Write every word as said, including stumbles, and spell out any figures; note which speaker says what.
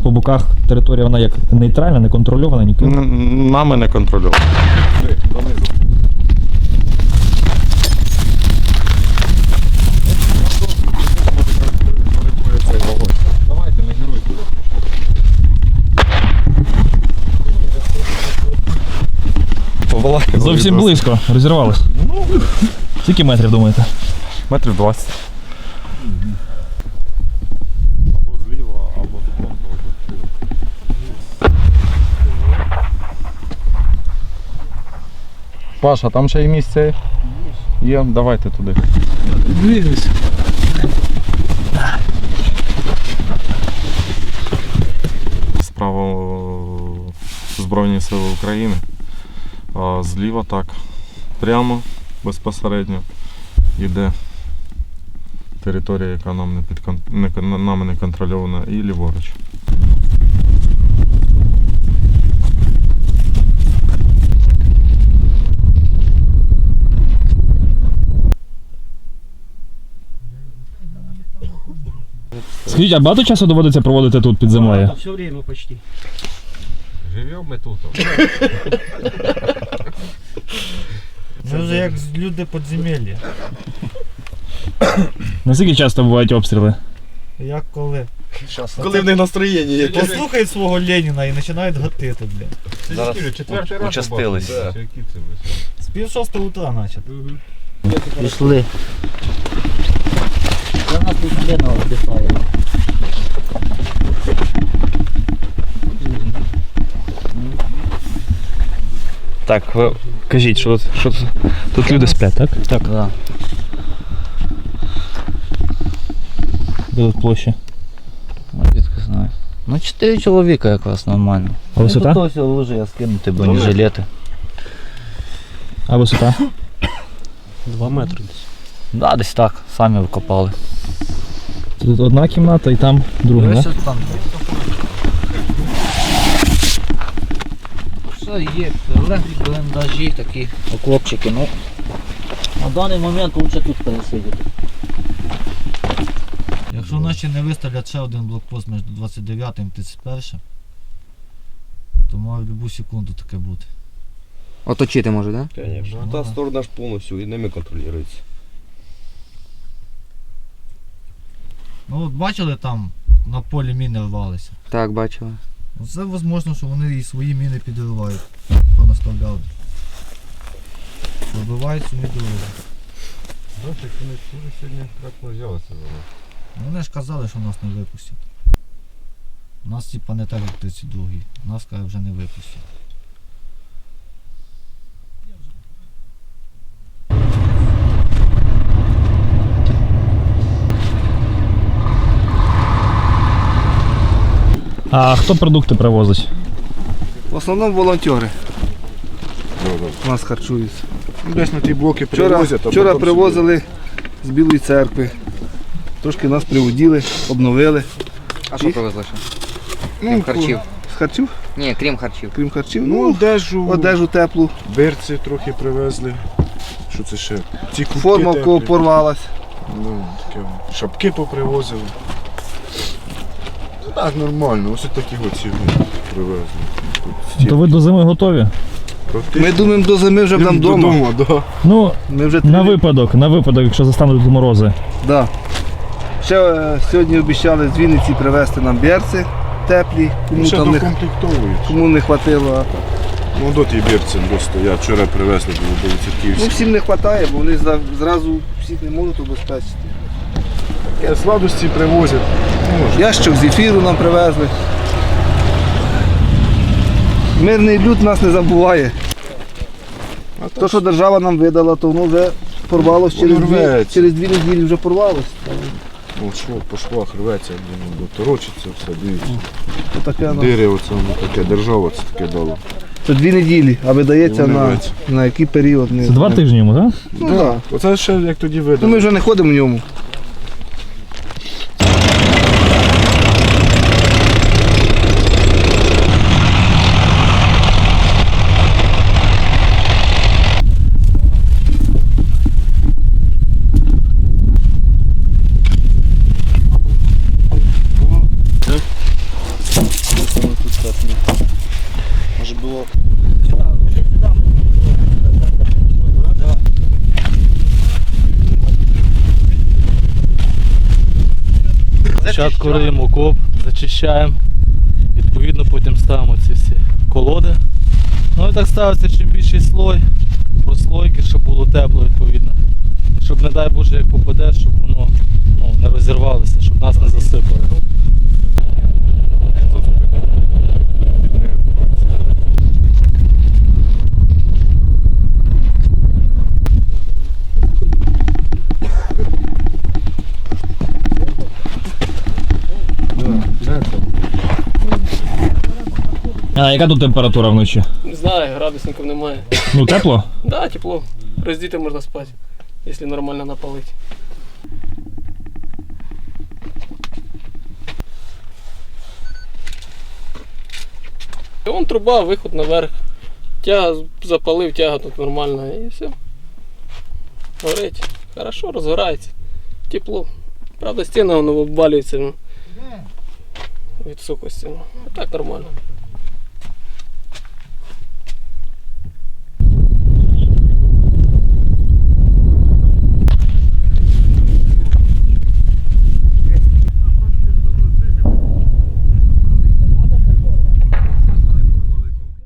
Speaker 1: по боках територія вона як нейтральна, не контрольована ніким?
Speaker 2: Н- Нами не контрольовано. Давайте, не геруйте. Повалайте.
Speaker 1: Зовсім близько, розірвалось. Скільки метрів, думаєте?
Speaker 2: Метрів двадцять. Або зліва, або зліва. Паша, там ще є місце? Є, давайте туди.
Speaker 1: Двигайся.
Speaker 2: Справа Збройні Сили України, а зліва так, прямо, безпосередньо йде територія, яка нам не, підкон... не... нами не контрольована, і ліворуч.
Speaker 1: Скажіть, а багато часу доводиться проводити тут під землею?
Speaker 3: Все время почти.
Speaker 4: Живемо ми тут.
Speaker 5: Це вже як люди підземелля.
Speaker 1: Наскільки часто бувають обстріли?
Speaker 5: Як коли?
Speaker 4: Коли в них настроєння є.
Speaker 5: Послухають свого Леніна і починають гатити, блядь.
Speaker 4: Зараз четвертий раз
Speaker 6: участились.
Speaker 4: побачив. Які це ви?
Speaker 5: З пів шостого утра начат.
Speaker 3: Пішли. Це нас тут Лена віддихає.
Speaker 1: Так, ви кажіть, що тут, що тут, тут люди сплять, так?
Speaker 3: Так. Да.
Speaker 1: Де тут площа?
Speaker 3: Звідки знаю. Ну, чотири чоловіка якраз нормально.
Speaker 1: А висота?
Speaker 3: Ну, тут ось лужи скинути бронежилети.
Speaker 1: А висота?
Speaker 3: Два метри десь. Да, десь так, самі викопали.
Speaker 1: Тут одна кімната і там друга,
Speaker 3: Ось
Speaker 1: так?
Speaker 3: ось там. Все є, прилеглі бліндажі, такі окопчики, ну. На даний момент лучше тут пересидіти.
Speaker 5: Якщо наші не виставлять ще один блокпост між двадцять дев'ятим і тридцять першим, то може в будь-яку секунду таке бути.
Speaker 6: Оточити може, так? Да?
Speaker 4: Конечно.
Speaker 5: Ну,
Speaker 4: Та
Speaker 5: да.
Speaker 4: сторона ж повністю і ними контролюється.
Speaker 5: Ну от бачили там на полі міни рвалися.
Speaker 6: Так, бачила.
Speaker 5: Ну, це можливо, що вони і свої міни підривають, понаставляли. Пробивають самі дороги.
Speaker 4: Бачиш, вони дуже сьогодні трапно взялися за нас.
Speaker 5: Вони ж казали, що нас не випустять. У нас типа не так, як тридцять другий. Нас каже, вже не випустять.
Speaker 1: А хто продукти привозить?
Speaker 7: В основному волонтери нас харчуються.
Speaker 4: Десь на ті блоки
Speaker 7: Вчора,
Speaker 4: привозять, а
Speaker 7: вчора
Speaker 4: потім
Speaker 7: привозили з Білої церкви. Трошки нас приводили, обновили.
Speaker 6: А що
Speaker 7: І?
Speaker 6: привезли ще?
Speaker 7: Ну,
Speaker 6: Крім харчів?
Speaker 7: З харчів?
Speaker 6: Ні, крім харчів.
Speaker 7: Крім харчів.
Speaker 4: Ну,
Speaker 7: Ну,
Speaker 4: одежу,
Speaker 7: одежу теплу.
Speaker 4: берці трохи привезли. Що це ще? Ці кубки
Speaker 7: Форма в кого
Speaker 4: теплі.
Speaker 7: порвалась.
Speaker 4: Ну, таке. Шапки попривозили. Ну так, нормально. Ось такі оці привезли. Тут
Speaker 1: То ви до зими готові?
Speaker 7: Ми думаємо, до зими вже будемо вдома.
Speaker 4: Додому, да.
Speaker 1: Ну,
Speaker 7: Ми вже
Speaker 1: на
Speaker 7: три-
Speaker 1: випадок, на випадок, якщо застануть тут морози.
Speaker 7: Да. Ще е, сьогодні обіцяли з Вінниці привезти нам берці теплі, кому
Speaker 4: Ще
Speaker 7: там не,
Speaker 4: докомплектовують.
Speaker 7: кому не хватило.
Speaker 4: Ну, до ті берці просто. Я вчора привезли, було до
Speaker 7: Ну,
Speaker 4: Віцерківських.
Speaker 7: всім не вистачає, бо вони за- зразу всіх не можуть обезпечити.
Speaker 4: Сладості привозять.
Speaker 7: Ящик з ефіру нам привезли. Мирний люд нас не забуває.
Speaker 4: А
Speaker 7: То, що держава нам видала, то воно вже порвалося через
Speaker 4: Воно
Speaker 7: дві,
Speaker 4: рветься.
Speaker 7: через дві неділі вже порвалося.
Speaker 4: Ну, шов по швах рветься, блін, торочиться все, дивіться.
Speaker 7: То таке, ну,
Speaker 4: Дири оце, ну таке, держава це таке дало.
Speaker 7: це дві неділі, а видається
Speaker 4: Воно
Speaker 7: на,
Speaker 4: рветься.
Speaker 7: на який період. Не,
Speaker 1: Це два
Speaker 7: не-
Speaker 1: тижні йому, так?
Speaker 7: Ну, да. Да.
Speaker 4: Оце ще як тоді
Speaker 7: Ну,
Speaker 4: видали.
Speaker 7: ми вже не ходимо в ньому. було.
Speaker 5: Спочатку риємо окоп, зачищаємо, відповідно потім ставимо ці всі колоди. Ну і так ставиться чим більший слой, прослойки, щоб було тепло відповідно. Щоб, не дай Боже, як попаде, щоб воно ну, не розірвалося, щоб нас не засипало.
Speaker 1: А яка тут температура вночі?
Speaker 8: Не знаю, градусників немає.
Speaker 1: Ну тепло?
Speaker 8: Да, тепло. Роздіти можна спати, якщо нормально напалити. І вон труба, виход наверх. Тяга запалив, тяга тут нормальна і все. Горить. Хорошо, розгорається. Тепло. Правда, стіна воно обвалюється ну, від сухості. Ну, а так нормально.